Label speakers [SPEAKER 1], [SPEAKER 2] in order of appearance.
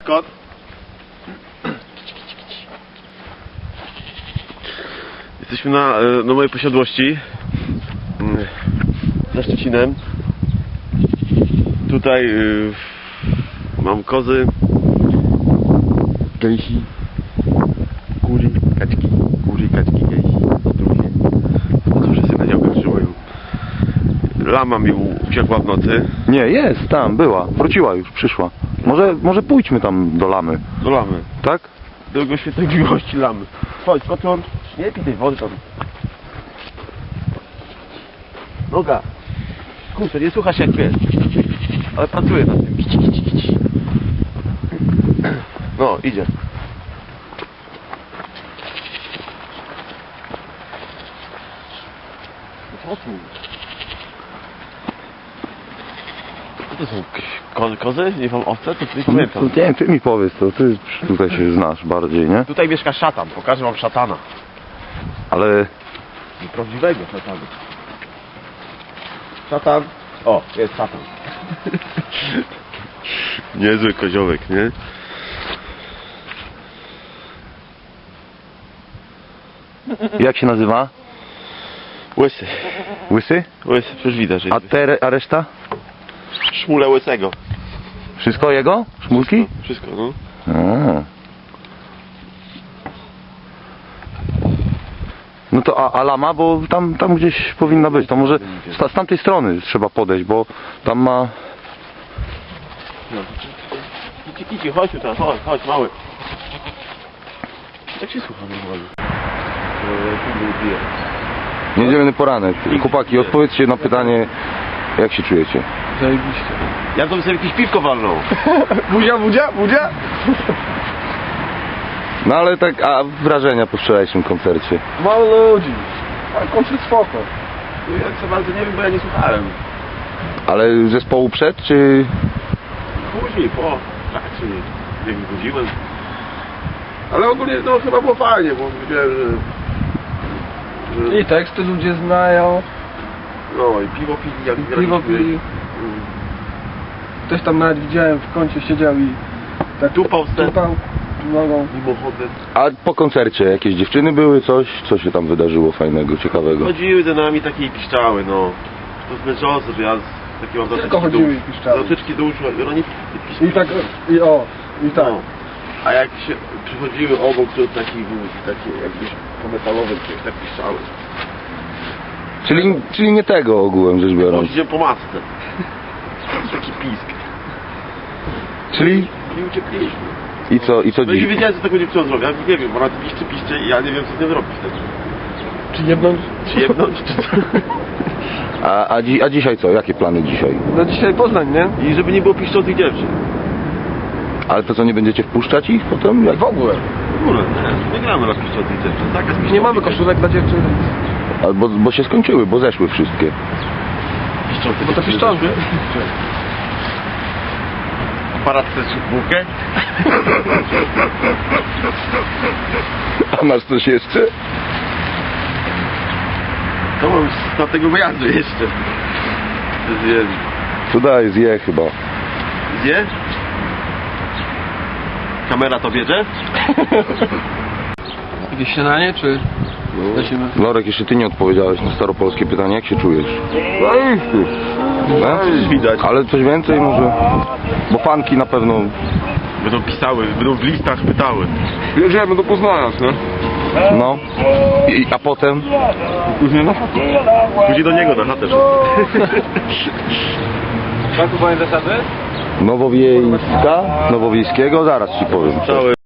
[SPEAKER 1] kot. Jesteśmy na mojej posiadłości za Szczecinem. Tutaj mam kozy, gęsi, kury, kaczki, gęsi, drugie. No to wszyscy na działkach trzymają. Lama mi uciekła w nocy.
[SPEAKER 2] Nie, jest tam, była. Wróciła już, przyszła. Może pójdźmy tam do lamy.
[SPEAKER 1] Do lamy.
[SPEAKER 2] Tak?
[SPEAKER 1] Do jego świętej miłości lamy. Chodź, koton. Nie pij tej wody tam. Noga. Kurczę, nie słuchasz jak pies. Ale pracuję nad tym. No, idzie. Co tu? Co to są? Kozy? Nie mam owce? To nie pamiętam.
[SPEAKER 2] Nie wiem, ty mi powiedz, to ty tutaj się znasz bardziej, nie?
[SPEAKER 1] Tutaj mieszka szatan. Pokażę wam szatana.
[SPEAKER 2] Ale
[SPEAKER 1] Prawdziwego szatana. Szatan. O, jest szatan. Niezły koziołek, nie?
[SPEAKER 2] jak się nazywa?
[SPEAKER 1] Łysy.
[SPEAKER 2] Łysy?
[SPEAKER 1] Łysy, przecież widać, że
[SPEAKER 2] A reszta?
[SPEAKER 1] szmule łysego.
[SPEAKER 2] Wszystko jego? Szmulki?
[SPEAKER 1] Wszystko, no.
[SPEAKER 2] A. No to a lama, bo tam gdzieś powinna być. To może z tamtej strony trzeba podejść, bo tam ma...
[SPEAKER 1] No. Kici, chodź tu tam, chodź, mały. Jak się słucha normalnie?
[SPEAKER 2] Niedzielny poranek. Chłopaki, odpowiedzcie na pytanie, jak się czujecie?
[SPEAKER 3] Zajebiście.
[SPEAKER 1] Ja to bym sobie jakieś piwko walnął.
[SPEAKER 3] Budzia?
[SPEAKER 2] No ale tak, a wrażenia po wczorajszym koncercie?
[SPEAKER 3] Mało ludzi. Ale koncert spoko.
[SPEAKER 1] Ja co bardzo nie wiem, bo ja nie słuchałem.
[SPEAKER 2] Ale zespołu przed, czy...
[SPEAKER 1] Później, po trakcie, jak budziłem. Ale ogólnie no chyba było fajnie, bo wiedziałem, że...
[SPEAKER 3] I teksty ludzie znają.
[SPEAKER 1] No i piwo pili, jak
[SPEAKER 3] Piwo pili. Ktoś tam nawet widziałem w kącie siedział i tak
[SPEAKER 1] Tupał
[SPEAKER 3] nogą.
[SPEAKER 1] mimochodem.
[SPEAKER 2] A po koncercie jakieś dziewczyny były, coś? Co się tam wydarzyło fajnego, ciekawego?
[SPEAKER 1] Chodziły za nami takie i piszczały, no. To zmęczące, że ja takie mam
[SPEAKER 3] Tylko chodziły i piszczały.
[SPEAKER 1] zatyczki do uszu, ale oni
[SPEAKER 3] I tak, i tak.
[SPEAKER 1] No. A jak się przychodziły obok, to taki był takie jakbyś po metalowym czymś tak piszczały.
[SPEAKER 2] Czyli nie tego ogółem rzecz biorąc.
[SPEAKER 1] Chodziłem po masce. Taki pisk.
[SPEAKER 2] Czyli...
[SPEAKER 1] I uciekliśmy.
[SPEAKER 2] I co
[SPEAKER 1] No i
[SPEAKER 2] dziś?
[SPEAKER 1] wiedziałem, co tego dziewczyna zrobię. Ja nie wiem, ona piszczy i ja nie wiem, co z tym zrobić wtedy.
[SPEAKER 3] Czy jebnąć?
[SPEAKER 1] Czy jebnąć, czy co?
[SPEAKER 2] A dzisiaj co? Jakie plany dzisiaj?
[SPEAKER 3] No dzisiaj Poznań, nie?
[SPEAKER 1] I żeby nie było piszczących dziewczyn.
[SPEAKER 2] Ale to co, nie będziecie wpuszczać ich potem? Jak?
[SPEAKER 3] W ogóle.
[SPEAKER 1] W ogóle, nie gramy na piszczących dziewczyn. Zakaz piszczących
[SPEAKER 3] Nie mamy
[SPEAKER 1] dziewczyn.
[SPEAKER 3] koszulek dla dziewczyn.
[SPEAKER 2] Bo się skończyły, bo zeszły wszystkie.
[SPEAKER 1] Piszczące
[SPEAKER 3] Bo to
[SPEAKER 1] dziewczyny
[SPEAKER 3] piszczące.
[SPEAKER 1] zeszły? Aparat chcesz bułkę?
[SPEAKER 2] A masz coś jeszcze?
[SPEAKER 1] To mam z tego wyjazdu jeszcze. Zjem.
[SPEAKER 2] To daj, zje chyba.
[SPEAKER 1] Zje? Kamera to bierze?
[SPEAKER 3] Jakieś śniadanie, czy lecimy?
[SPEAKER 2] Lorek, jeszcze ty nie odpowiedziałeś na staropolskie pytanie, jak się czujesz? No?
[SPEAKER 1] Widać.
[SPEAKER 2] Ale coś więcej może? Bo fanki na pewno...
[SPEAKER 1] Będą pisały, będą w listach pytały.
[SPEAKER 3] Jedziemy do Poznania, nie?
[SPEAKER 2] No. A potem?
[SPEAKER 1] Później do niego na chatę.
[SPEAKER 3] Tak, panie zasady?
[SPEAKER 2] Nowowiejskiego, zaraz ci powiem.
[SPEAKER 1] Cały